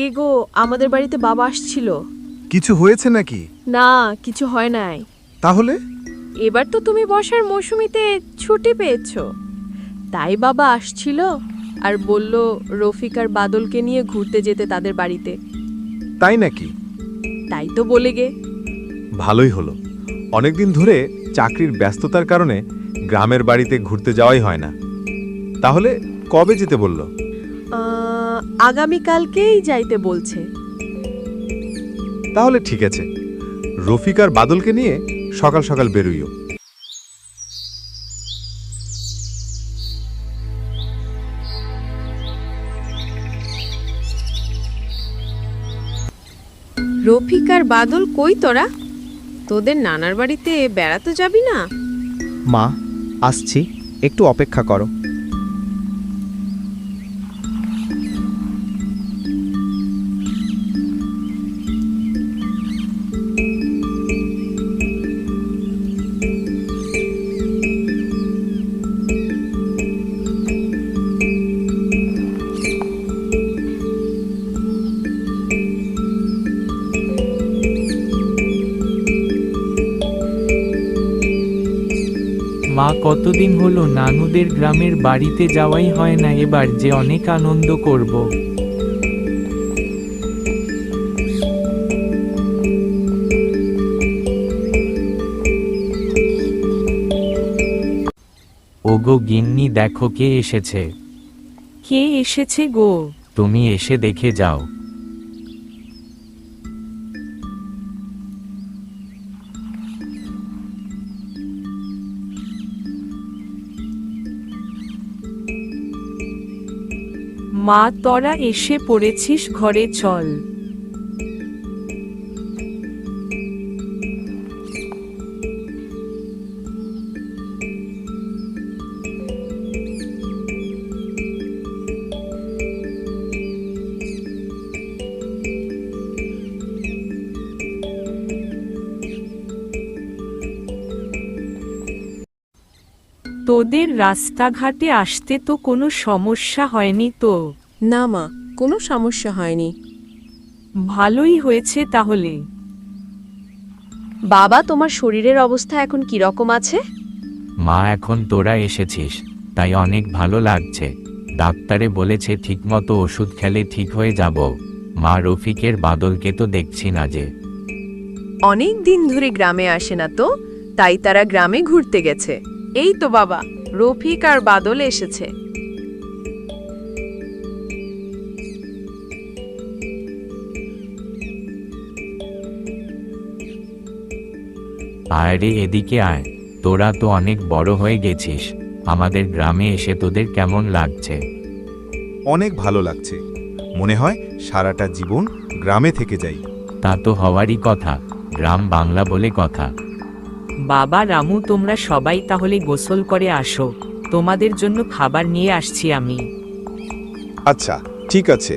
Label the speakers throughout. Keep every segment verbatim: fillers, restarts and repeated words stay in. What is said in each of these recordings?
Speaker 1: কে গো, আমাদের বাড়িতে বাবা আসছিল।
Speaker 2: কিছু হয়েছে নাকি?
Speaker 1: না, কিছু হয় নাই।
Speaker 2: তাহলে
Speaker 1: এবার তো তুমি বর্ষার মৌসুমিতে ছুটি পেয়েছো, তাই বাবা আসছিল আর বলল রফিক আর বাদলকে নিয়ে ঘুরতে যেতে তাদের বাড়িতে।
Speaker 2: তাই নাকি?
Speaker 1: তাই তো বলে গে।
Speaker 2: ভালোই হলো। অনেকদিন ধরে চাকরির ব্যস্ততার কারণে গ্রামের বাড়িতে ঘুরতে যাওয়াই হয় না। তাহলে কবে যেতে বলল?
Speaker 1: আহ, আগামীকালকেই যাইতে বলছে।
Speaker 2: তাহলে ঠিক আছে, রফিক আর বাদলকে নিয়ে সকাল সকাল বেরোইও।
Speaker 1: রফিক আর বাদল কই তোরা? তোদের নানার বাড়িতে বেড়াতে যাবি না?
Speaker 3: মা, আসছি, একটু অপেক্ষা করো।
Speaker 4: মা, কতদিন হলো নানুদের গ্রামের বাড়িতে যাওয়াই হয় না, এবার যে অনেক আনন্দ করব। ওগো গিন্নি, দেখো কে এসেছে।
Speaker 1: কে এসেছে গো?
Speaker 4: তুমি এসে দেখে যাও।
Speaker 1: মা, তোরা এসে পড়েছিস, ঘরে চল। তোদের রাস্তাঘাটে আসতে তো কোনো সমস্যা হয়নি তো? না মা, কোনো সমস্যা হয়নি। ভালোই হয়েছে তাহলে। বাবা, তোমার শরীরের অবস্থা এখন কি রকম আছে?
Speaker 4: মা, এখন তোরা এসেছিস তাই অনেক ভালো লাগছে। ডাক্তারে বলেছে ঠিকমতো ওষুধ খেলে ঠিক হয়ে যাব। মা, রফিকের বাদলকে তো দেখছি না যে।
Speaker 1: অনেক দিন ধরে গ্রামে আসে না তো, তাই তারা গ্রামে ঘুরতে গেছে। এই তো বাবা, রফিক আর বাদল এসেছে।
Speaker 4: আরে এদিকে আয়, তোরা তো অনেক বড় হয়ে গেছিস। আমাদের গ্রামে এসে তোদের কেমন লাগছে?
Speaker 2: অনেক ভালো লাগছে। মনে হয় সারাটা জীবন গ্রামে থেকে যাই।
Speaker 4: তা তো হওয়ারই কথা, গ্রাম বাংলা বলে কথা।
Speaker 5: বাবা, রামু, তোমরা সবাই তাহলে গোসল করে আসো, তোমাদের জন্য খাবার নিয়ে আসছি আমি।
Speaker 2: আচ্ছা, ঠিক আছে।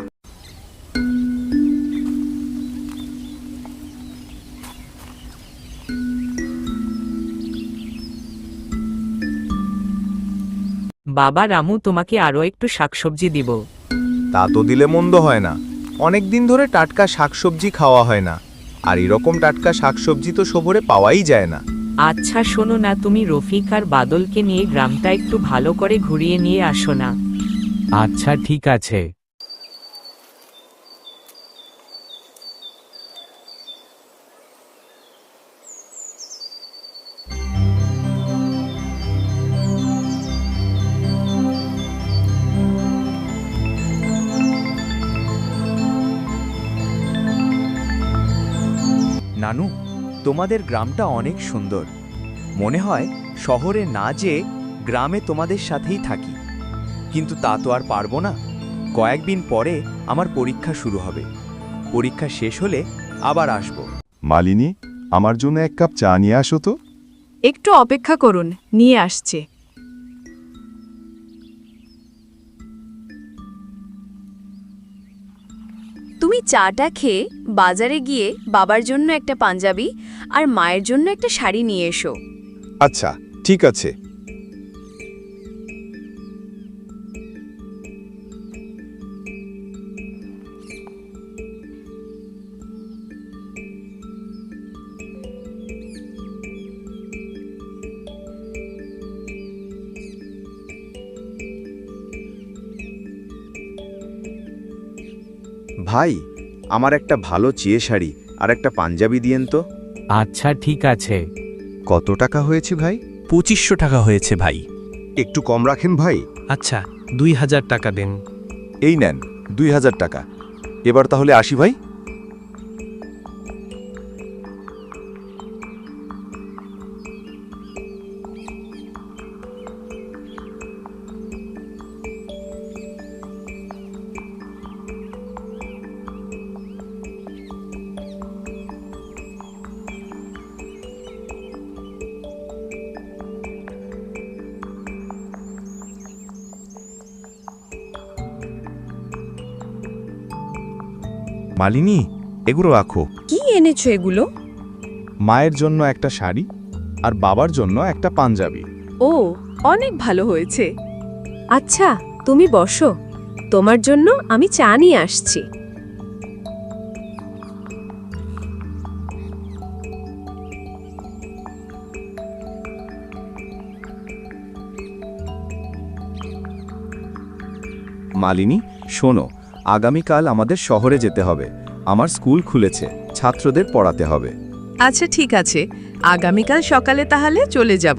Speaker 5: বাবা, রামু, তোমাকে আরো একটু শাকসবজি দিব।
Speaker 2: তা তো দিলে মন্দ হয় না। অনেক দিন ধরে টাটকা শাকসবজি খাওয়া হয় না, আর এরকম টাটকা শাকসবজি তো শহরে পাওয়াই যায় না।
Speaker 5: আচ্ছা শোনো না, তুমি রফিক আর বাদলকে নিয়ে গ্রামটা একটু ভালো করে ঘুরিয়ে নিয়ে আসো না।
Speaker 4: আচ্ছা ঠিক আছে।
Speaker 6: নানু, তোমাদের গ্রামটা অনেক সুন্দর। মনে হয় শহরে না যেয়ে গ্রামে তোমাদের সাথেই থাকি, কিন্তু তা তো আর পারবো না। কয়েকদিন পরে আমার পরীক্ষা শুরু হবে। পরীক্ষা শেষ হলে আবার আসব।
Speaker 2: মালিনী, আমার জন্য এক কাপ চা নিয়ে আসো তো।
Speaker 1: একটু অপেক্ষা করুন, নিয়ে আসছে। তুমি চাটা খেয়ে বাজারে গিয়ে বাবার জন্য একটা পাঞ্জাবি আর মায়ের জন্য একটা শাড়ি নিয়ে এসো।
Speaker 2: আচ্ছা, ঠিক আছে।
Speaker 6: ভাই আমার একটা ভালো চিয়ে শাড়ি আর একটা পাঞ্জাবি দিয়েন তো।
Speaker 4: আচ্ছা ঠিক আছে।
Speaker 2: কত টাকা হয়েছে ভাই?
Speaker 7: পঁচিশশো টাকা হয়েছে ভাই।
Speaker 2: একটু কম রাখেন ভাই।
Speaker 7: আচ্ছা দুই হাজার টাকা দেন।
Speaker 2: এই নেন দুই হাজার টাকা। এবার তাহলে আসি ভাই। মালিনী, এগুলো রাখো।
Speaker 1: কি এনেছো এগুলো?
Speaker 2: মায়ের জন্য একটা শাড়ি আর বাবার জন্য একটা পাঞ্জাবি।
Speaker 1: ও, অনেক ভালো হয়েছে। আচ্ছা তুমি বসো, তোমার জন্য আমি চা নিয়ে আসছি।
Speaker 6: মালিনী শোনো, আগামীকাল আমাদের শহরে যেতে হবে। আমার স্কুল খুলেছে, ছাত্রদের পড়াতে হবে।
Speaker 1: আচ্ছা ঠিক আছে, আগামীকাল সকালে তাহলে চলে যাব।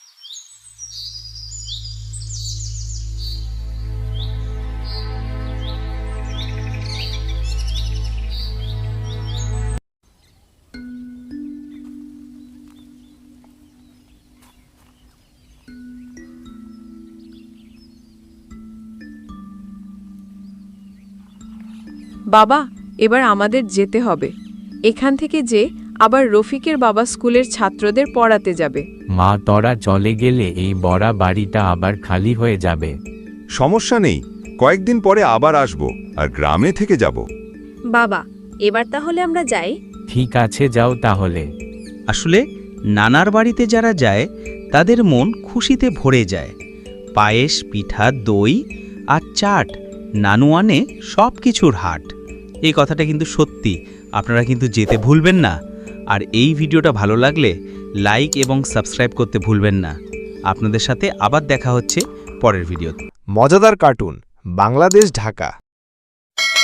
Speaker 1: বাবা, এবার আমাদের যেতে হবে। এখান থেকে যে আবার রফিকের বাবা স্কুলের ছাত্রদের পড়াতে যাবে।
Speaker 4: মা তোরা চলে গেলে এই বড় বাড়িটা আবার খালি হয়ে যাবে।
Speaker 2: সমস্যা নেই, কয়েকদিন পরে আবার আসব আর গ্রামে থেকে যাব।
Speaker 1: বাবা, এবার তাহলে আমরা যাই।
Speaker 4: ঠিক আছে যাও তাহলে।
Speaker 3: আসলে নানার বাড়িতে যারা যায় তাদের মন খুশিতে ভরে যায়। পায়েস, পিঠা, দই আর চাট, নানু আনে সব কিছুর হাট। এই কথাটা কিন্তু সত্যি, আপনারা কিন্তু যেতে ভুলবেন না। আর এই ভিডিওটা ভালো লাগলে লাইক এবং সাবস্ক্রাইব করতে ভুলবেন না। আপনাদের সাথে আবার দেখা হচ্ছে পরের ভিডিওতে।
Speaker 2: মজাদার কার্টুন, বাংলাদেশ ঢাকা।